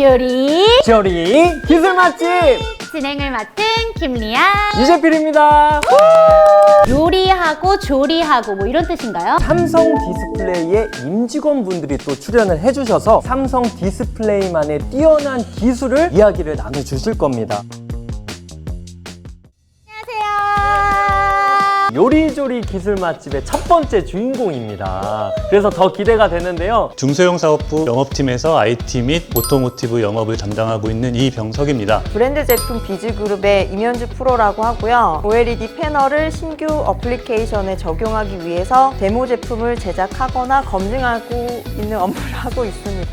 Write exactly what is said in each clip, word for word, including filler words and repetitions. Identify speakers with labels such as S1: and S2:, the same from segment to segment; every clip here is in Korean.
S1: 요리
S2: 조리 기술 맛집
S1: 진행을 맡은 김리아
S2: 이재필입니다.
S1: 요리하고 조리하고 뭐 이런 뜻인가요?
S2: 삼성 디스플레이의 임직원분들이 또 출연을 해주셔서 삼성 디스플레이만의 뛰어난 기술을 이야기를 나눠주실 겁니다. 요리조리 기술 맛집의 첫 번째 주인공입니다. 그래서 더 기대가 되는데요.
S3: 중소형 사업부 영업팀에서 아이티 및 오토모티브 영업을 담당하고 있는 이병석입니다.
S4: 브랜드 제품 비즈그룹의 임현주 프로라고 하고요. 오엘이디 패널을 신규 어플리케이션에 적용하기 위해서 데모 제품을 제작하거나 검증하고 있는 업무를 하고 있습니다.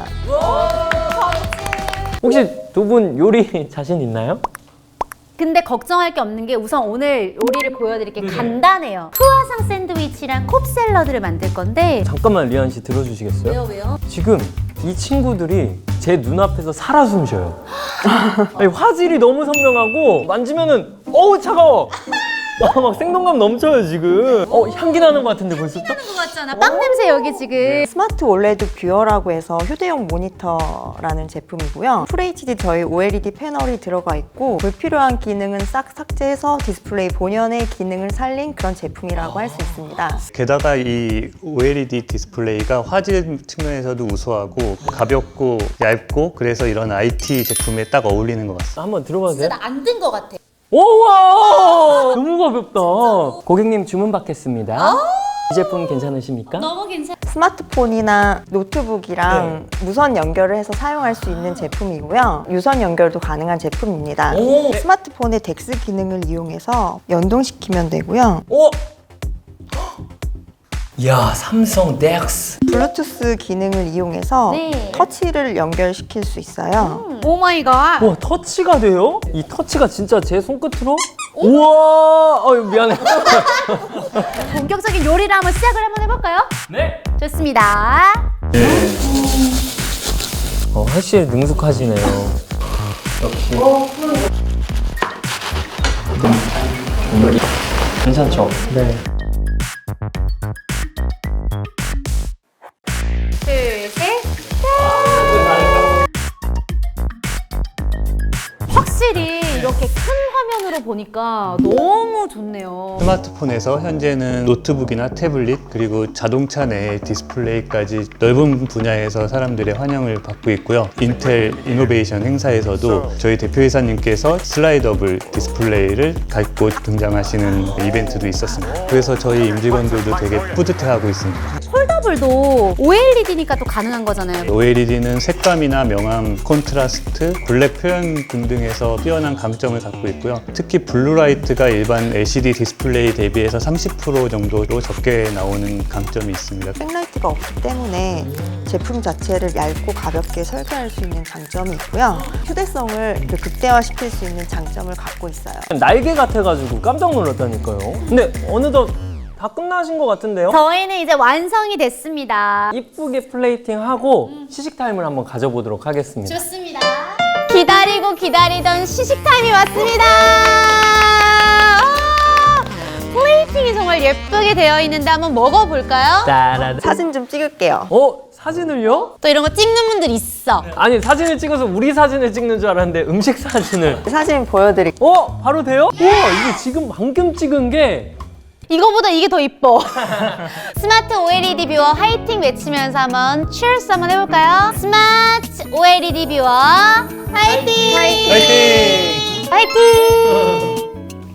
S2: 혹시 두 분 요리 자신 있나요?
S1: 근데 걱정할 게 없는 게 우선 오늘 요리를 보여드릴 게 간단해요. 크루아상 샌드위치랑 콥 샐러드를 만들 건데
S2: 잠깐만 리안 씨 들어주시겠어요?
S1: 왜요 왜요?
S2: 지금 이 친구들이 제 눈앞에서 살아 숨쉬어요. 아니, 화질이 너무 선명하고 만지면은 어우 차가워. 아, 막 생동감 넘쳐요 지금. 어 향기 나는 것 같은데 벌써 딱?
S1: 것 같잖아. 빵 냄새 여기 지금.
S4: 스마트 올레드 뷰어라고 해서 휴대용 모니터라는 제품이고요. 풀에이치디 저희 오엘이디 패널이 들어가 있고 불필요한 기능은 싹 삭제해서 디스플레이 본연의 기능을 살린 그런 제품이라고 할 수 있습니다.
S3: 게다가 이 오엘이디 디스플레이가 화질 측면에서도 우수하고 가볍고 얇고 그래서 이런 아이티 제품에 딱 어울리는 것 같습니다.
S2: 한번 들어봐도 돼요?
S1: 안 든 것 같아.
S2: 오와 너무 가볍다. 고객님 주문 받겠습니다. 이 제품 괜찮으십니까?
S1: 너무 괜찮아.
S4: 스마트폰이나 노트북이랑 무선 연결을 해서 사용할 수 있는 제품이고요. 유선 연결도 가능한 제품입니다.
S2: 오.
S4: 스마트폰의 덱스 기능을 이용해서 연동시키면 되고요.
S2: 오! 야 삼성 덱스.
S4: 블루투스 기능을 이용해서
S1: 네.
S4: 터치를 연결시킬 수 있어요.
S1: 오 마이 갓.
S2: 와 터치가 돼요? 이 터치가 진짜 제 손끝으로? 우와! 어 미안해.
S1: 본격적인 요리를 한번 시작을 한번 해볼까요?
S2: 네.
S1: 좋습니다.
S2: 어 확실히 능숙하시네요. 역시. 괜찮죠? 네.
S1: 둘, 셋. 확실히 이렇게 큰 화면으로 보니까 너무 좋네요.
S3: 스마트폰에서 현재는 노트북이나 태블릿 그리고 자동차 내 디스플레이까지 넓은 분야에서 사람들의 환영을 받고 있고요. 인텔 이노베이션 행사에서도 저희 대표이사님께서 슬라이더블 디스플레이를 갖고 등장하시는 이벤트도 있었습니다. 그래서 저희 임직원들도 되게 뿌듯해하고 있습니다.
S1: 폴더블도 오엘이디니까 또 가능한 거잖아요.
S3: 오엘이디는 색감이나 명암, 콘트라스트, 블랙 표현 등등에서 뛰어난 강점을 갖고 있고요. 특히 블루라이트가 일반 엘시디 디스플레이 대비해서 삼십 퍼센트 정도로 적게 나오는 강점이 있습니다.
S4: 백라이트가 없기 때문에 제품 자체를 얇고 가볍게 설계할 수 있는 장점이 있고요. 휴대성을 극대화시킬 수 있는 장점을 갖고 있어요.
S2: 날개 같아가지고 깜짝 놀랐다니까요. 근데 어느덧 다 끝나신 것 같은데요?
S1: 저희는 이제 완성이 됐습니다.
S2: 이쁘게 플레이팅하고 시식 타임을 한번 가져보도록 하겠습니다.
S1: 좋습니다. 기다리고 기다리던 시식 타임이 왔습니다. 아, 플레이팅이 정말 예쁘게 되어 있는데 한번 먹어볼까요?
S2: 따라다.
S4: 사진 좀 찍을게요.
S2: 어? 사진을요?
S1: 또 이런 거 찍는 분들 있어.
S2: 아니 사진을 찍어서 우리 사진을 찍는 줄 알았는데 음식 사진을.
S4: 사진 보여드릴게요.
S2: 어? 바로 돼요? 우와 이게 지금 방금 찍은 게
S1: 이거보다 이게 더 이뻐. 스마트 오엘이디 뷰어 화이팅 외치면서 한번 cheers 한번 해볼까요? 스마트 오엘이디 뷰어 화이팅!
S2: 화이팅!
S1: 화이팅!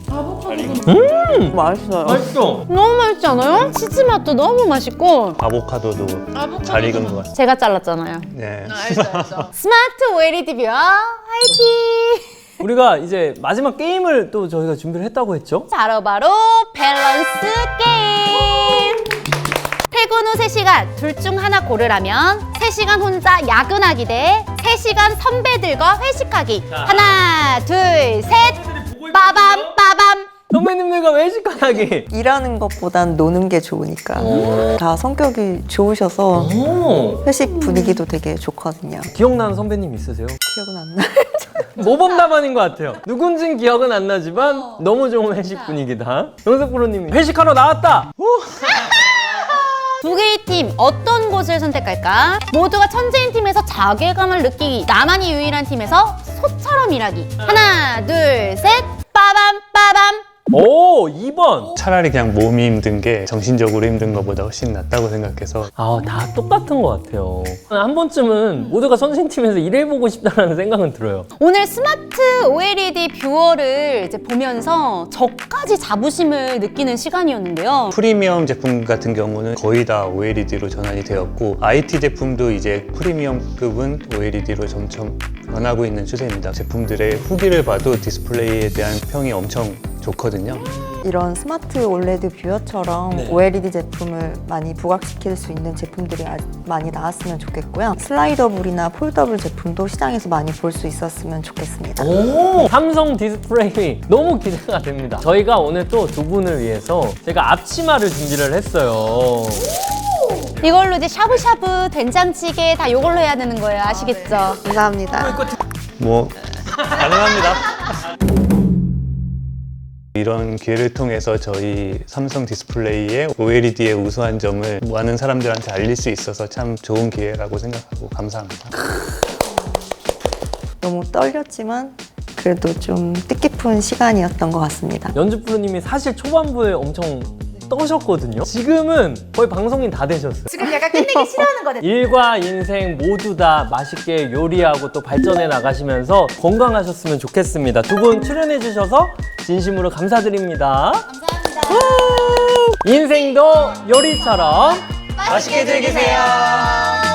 S2: 음!
S4: 맛있어요.
S2: 맛있어.
S1: 너무 맛있지 않아요? 치즈 맛도 너무 맛있고.
S3: 아보카도도 잘 익은 것 같습니다.
S1: 제가 잘랐잖아요.
S3: 네.
S1: 스마트 오엘이디 뷰어 화이팅!
S2: 우리가 이제 마지막 게임을 또 저희가 준비를 했다고 했죠?
S1: 바로 바로 밸런스 게임. 퇴근 후 세 시간 둘 중 하나 고르라면 세 시간 혼자 야근하기 대 세 시간 선배들과 회식하기. 하나 둘 셋 빠밤 빠밤.
S2: 선배님들과 외식하기.
S4: 일하는 것보단 노는 게 좋으니까. 다 성격이 좋으셔서
S2: 오.
S4: 회식 분위기도 되게 좋거든요.
S2: 기억나는 선배님 있으세요?
S4: 기억은 안 나요.
S2: 모범 답안인 것 같아요. 누군진 기억은 안 나지만 너무 좋은 회식 분위기다. 영석 프로님이 회식하러 나왔다. 오.
S1: 두 개의 팀 어떤 곳을 선택할까? 모두가 천재인 팀에서 자괴감을 느끼기, 나만이 유일한 팀에서 소처럼 일하기. 하나, 둘, 셋, 빠밤 빠밤.
S2: 오, 이 번.
S3: 차라리 그냥 몸이 힘든 게 정신적으로 힘든 것보다 훨씬 낫다고 생각해서
S2: 아, 다 똑같은 것 같아요. 한 번쯤은 모두가 선생팀에서 일해보고 싶다는 생각은 들어요.
S1: 오늘 스마트 오엘이디 뷰어를 이제 보면서 저까지 자부심을 느끼는 시간이었는데요.
S3: 프리미엄 제품 같은 경우는 거의 다 오엘이디로 전환이 되었고 아이티 제품도 이제 프리미엄급은 오엘이디로 점점 변하고 있는 추세입니다. 제품들의 후기를 봐도 디스플레이에 대한 평이 엄청 좋거든요.
S4: 이런 스마트 올레드 뷰어처럼
S2: 네.
S4: 오엘이디 제품을 많이 부각시킬 수 있는 제품들이 아- 많이 나왔으면 좋겠고요. 슬라이더블이나 폴더블 제품도 시장에서 많이 볼 수 있었으면 좋겠습니다.
S2: 오, 삼성 디스플레이 너무 기대가 됩니다. 저희가 오늘 또 두 분을 위해서 제가 앞치마를 준비를 했어요.
S1: 이걸로 이제 샤브샤브, 된장찌개 다 이걸로 해야 되는 거예요. 아시겠죠?
S4: 감사합니다.
S3: 뭐 가능합니다. 이런 기회를 통해서 저희 삼성 디스플레이의 오엘이디의 우수한 점을 많은 사람들한테 알릴 수 있어서 참 좋은 기회라고 생각하고 감사합니다.
S4: 너무 떨렸지만 그래도 좀 뜻깊은 시간이었던 것 같습니다.
S2: 연주 프로님이 사실 초반부에 엄청 떠셨거든요. 지금은 거의 방송인 다 되셨어요.
S1: 지금 약간 끝내기 싫어하는 거네.
S2: 일과 인생 모두 다 맛있게 요리하고 또 발전해 나가시면서 건강하셨으면 좋겠습니다. 두 분 출연해 주셔서 진심으로 감사드립니다.
S1: 감사합니다.
S2: 인생도 요리처럼
S1: 맛있게 즐기세요.